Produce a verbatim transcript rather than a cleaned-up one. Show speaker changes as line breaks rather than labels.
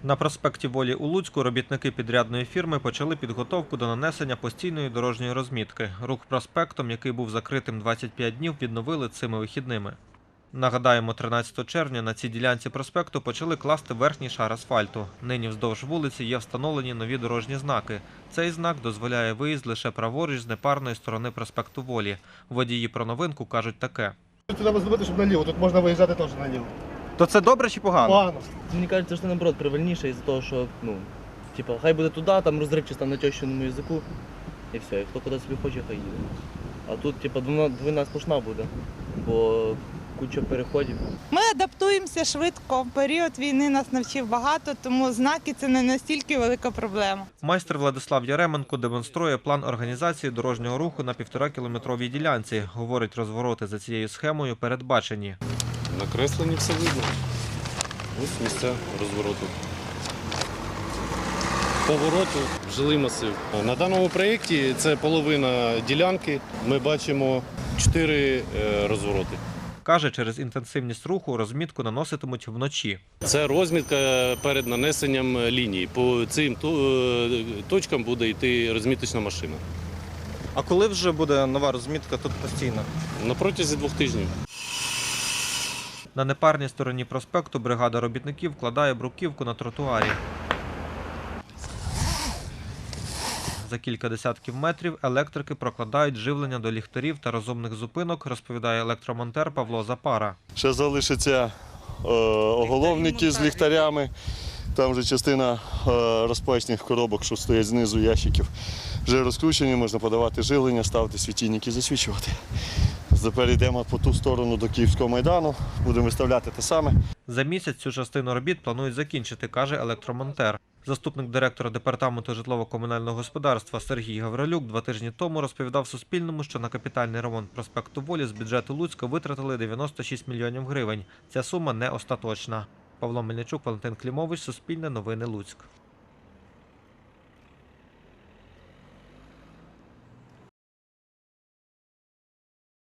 На проспекті Волі у Луцьку робітники підрядної фірми почали підготовку до нанесення постійної дорожньої розмітки. Рух проспектом, який був закритим двадцять п'ять днів, відновили цими вихідними. Нагадаємо, тринадцятого червня на цій ділянці проспекту почали класти верхній шар асфальту. Нині вздовж вулиці є встановлені нові дорожні знаки. Цей знак дозволяє виїзд лише праворуч з непарної сторони проспекту Волі. Водії про новинку кажуть таке.
Тут треба зробити, щоб наліво, тут можна виїжджати теж наліво.
То це добре чи погано?
Погано.
Мені кажеться, що наоборот правильніше із-за того, що, ну, типа, хай буде туди, там розривчисто на тещиному язику, і все, і хто куди собі хоче, хай їде. А тут, типа, двойна сплошна буде, бо куча переходів.
Ми адаптуємося швидко. Період війни нас навчив багато, тому знаки – це не настільки велика проблема.
Майстер Владислав Яременко демонструє план організації дорожнього руху на півторакілометровій ділянці. Говорить, розвороти за цією схемою передбачені.
На кресленні все видно. Ось місця розвороту. Повороту в жилий масив. На даному проєкті це половина ділянки. Ми бачимо чотири розвороти.
Каже, через інтенсивність руху розмітку наноситимуть вночі.
Це розмітка перед нанесенням лінії. По цим точкам буде йти розміточна машина.
А коли вже буде нова розмітка тут постійно?
На протязі двох тижнів.
На непарній стороні проспекту бригада робітників вкладає бруківку на тротуарі. За кілька десятків метрів електрики прокладають живлення до ліхтарів та розумних зупинок, розповідає електромонтер Павло Запара.
Ще залишаться е, оголовники з ліхтарями. Там вже частина е, розпечних коробок, що стоять знизу ящиків, вже розкручені, можна подавати живлення, ставити світильники і засвічувати. Тепер йдемо по ту сторону до Київського майдану, будемо виставляти те саме.
За місяць цю частину робіт планують закінчити, каже електромонтер. Заступник директора департаменту житлово-комунального господарства Сергій Гаврилюк два тижні тому розповідав Суспільному, що на капітальний ремонт проспекту Волі з бюджету Луцька витратили дев'яносто шість мільйонів гривень. Ця сума не остаточна. Павло Мельничук, Валентин Клімович, Суспільне новини, Луцьк.